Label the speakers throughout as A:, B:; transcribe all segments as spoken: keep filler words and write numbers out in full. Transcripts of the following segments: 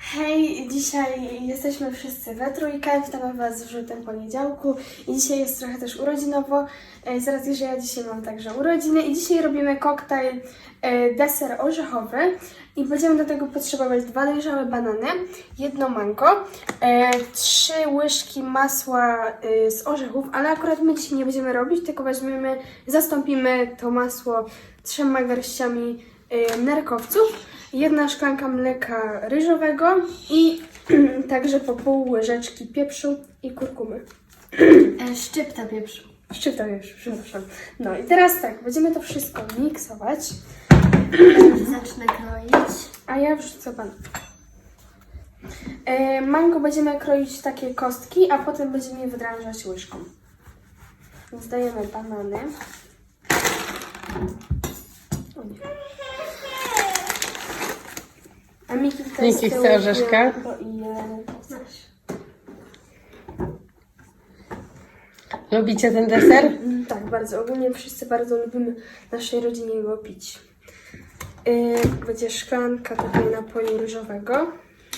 A: Hej, dzisiaj jesteśmy wszyscy we trójkę, witamy Was w żółtym poniedziałku i dzisiaj jest trochę też urodzinowo, e, z racji, że ja dzisiaj mam także urodziny i dzisiaj robimy koktajl e, deser orzechowy i będziemy do tego potrzebować dwa dojrzałe banany, jedno mango, e, trzy łyżki masła e, z orzechów, ale akurat my dzisiaj nie będziemy robić, tylko weźmiemy, zastąpimy to masło trzema garściami e, nerkowców, jedna szklanka mleka ryżowego i także po pół łyżeczki pieprzu i kurkumy.
B: Szczypta pieprzu.
A: Szczypta pieprzu, przepraszam. No i teraz tak, będziemy to wszystko miksować.
B: Zacznę kroić.
A: A ja wrzucę banan. E, mango będziemy kroić takie kostki, a potem będziemy je wydrążać łyżką. Więc dajemy banany. O nie. A Miki tutaj
C: Miki
A: z tyłu
C: chce orzeszka.
A: to i je coś.
C: Lubicie ten deser?
A: Mm, Tak, bardzo. Ogólnie wszyscy bardzo lubimy w naszej rodzinie go pić. Yy, będzie szklanka tutaj napoju ryżowego.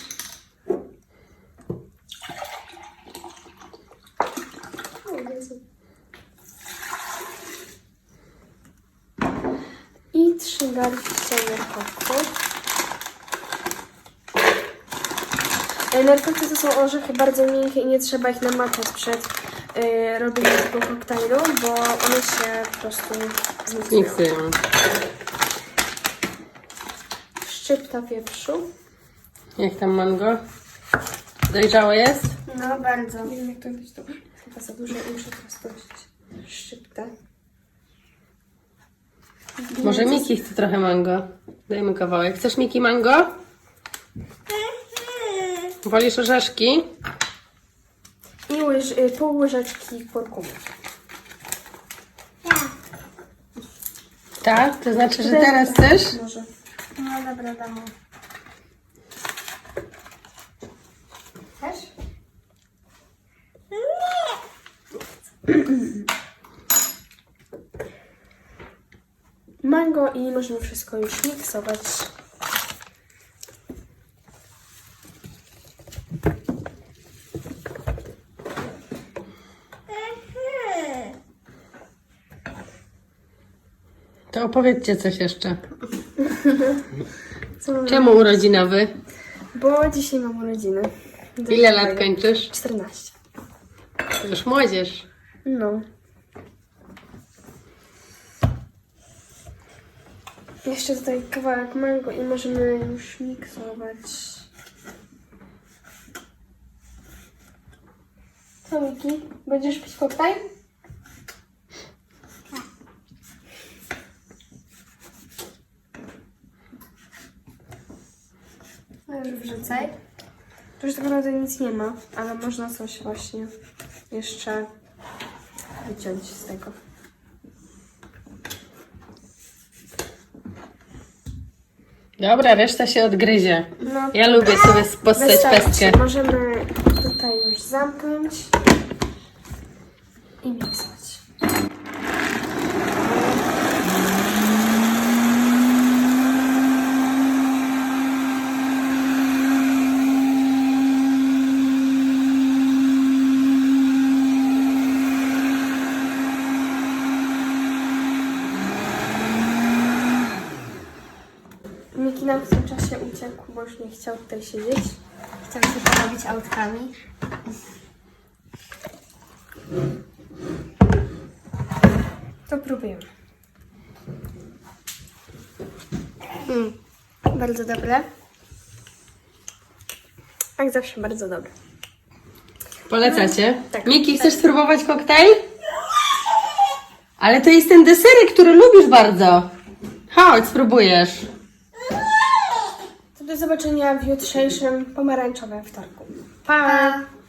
A: O Jezu. I trzy garści nerkowców. Yy, Nerkowce to są orzechy bardzo miękkie i nie trzeba ich namaczać przed yy, robieniem tego koktajlu, bo one się po prostu zmiksują.
C: Miksują.
A: Szczypta pieprzu.
C: Jak tam mango? Dojrzałe jest?
B: No bardzo.
A: Nie wiem, jak to być dobrze. Chyba za dużo i muszę teraz prosić. Szczyptę.
C: Może Miki chce trochę mango. Dajmy kawałek. Chcesz Miki mango? Wolisz orzeszki?
A: I łyż, y, pół łyżeczki kurkumy.
C: Tak? To znaczy, że teraz chcesz?
A: Może.
B: No dobra, damy. Też?
A: Mango i możemy wszystko już miksować.
C: To opowiedzcie coś jeszcze.
A: Co mamy?
C: Czemu urodzinowy?
A: Bo dzisiaj mam urodziny.
C: Ile lat kończysz?
A: czternaście.
C: To już młodzież.
A: No. Jeszcze tutaj kawałek mango i możemy już miksować. Co, Miki? Będziesz pić koktajl?
B: No już wrzucaj.
A: Tu już tak naprawdę nic nie ma, ale można coś właśnie jeszcze wyciąć z tego.
C: Dobra, reszta się odgryzie.
A: No,
C: Ja lubię sobie postać
A: wystarczy.
C: pestkę.
A: Możemy tutaj już zamknąć i miksować. Miki nam w tym czasie uciekł, bo już nie chciał tutaj siedzieć.
B: Chcę się porobić autkami.
A: To próbujemy. Mm, bardzo dobre. Jak zawsze bardzo dobre.
C: Polecacie?
A: Tak.
C: Miki, chcesz spróbować koktajl? Ale to jest ten deserek, który lubisz bardzo. Chodź, spróbujesz.
A: To do zobaczenia w jutrzejszym pomarańczowym wtorku.
B: Pa!